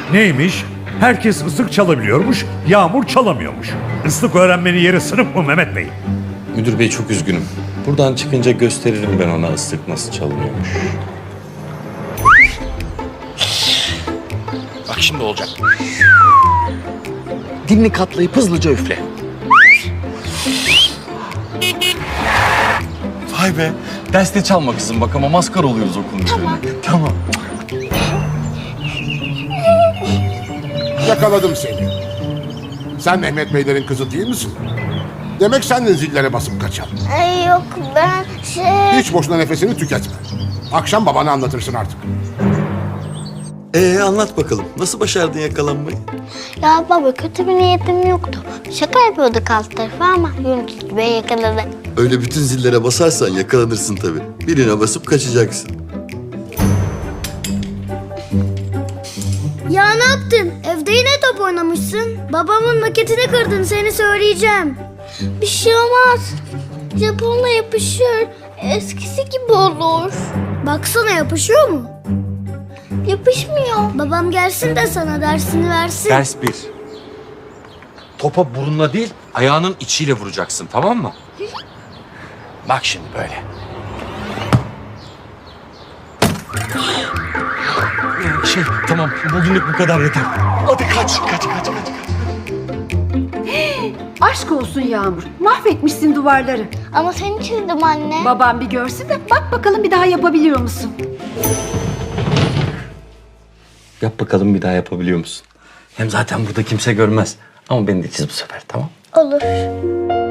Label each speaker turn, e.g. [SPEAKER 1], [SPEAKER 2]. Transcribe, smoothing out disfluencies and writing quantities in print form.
[SPEAKER 1] Neymiş? Herkes ıslık çalabiliyormuş, Yağmur çalamıyormuş. Islık öğrenmenin yeri sınıf mı Mehmet Bey?
[SPEAKER 2] Müdür bey çok üzgünüm. Buradan çıkınca gösteririm ben ona ıslık nasıl çalınıyormuş.
[SPEAKER 3] Bak şimdi olacak. Dilini katlayıp hızlıca üfle.
[SPEAKER 2] Vay be. Derste çalma kızım bak ama maskara oluyoruz okulun üzerine. Tamam.
[SPEAKER 4] Yakaladım seni. Sen Mehmet Beylerin kızı değil misin? Demek sen de zillere basıp kaçan.
[SPEAKER 5] Ay yok ben
[SPEAKER 4] Hiç boşuna nefesini tüketme. Akşam babana anlatırsın artık.
[SPEAKER 6] Anlat bakalım. Nasıl başardın yakalanmayı?
[SPEAKER 5] Ya baba kötü bir niyetim yoktu. Şaka yapıyorduk alt tarafı ama Yunus Bey yakaladı.
[SPEAKER 6] Öyle bütün zillere basarsan yakalanırsın tabii. Birine basıp kaçacaksın.
[SPEAKER 7] Ya ne yaptın? Evde yine top oynamışsın. Babamın maketini kırdın, seni söyleyeceğim.
[SPEAKER 5] Bir şey olmaz. Japonla yapışır. Eskisi gibi olur.
[SPEAKER 7] Baksana, yapışıyor mu?
[SPEAKER 5] Yapışmıyor.
[SPEAKER 7] Babam gelsin de sana dersini versin.
[SPEAKER 2] Ders 1. Topa burunla değil, ayağının içiyle vuracaksın, tamam mı? Bak şimdi böyle. Tamam, bugünlük bu kadar yeter. Hadi kaç.
[SPEAKER 8] Aşk olsun Yağmur. Mahvetmişsin duvarları.
[SPEAKER 5] Ama seni çizdim anne.
[SPEAKER 8] Babam bir görsün de bak bakalım bir daha yapabiliyor musun?
[SPEAKER 2] Yap bakalım bir daha yapabiliyor musun? Hem zaten burada kimse görmez. Ama beni de çiz bu sefer, tamam?
[SPEAKER 5] Olur.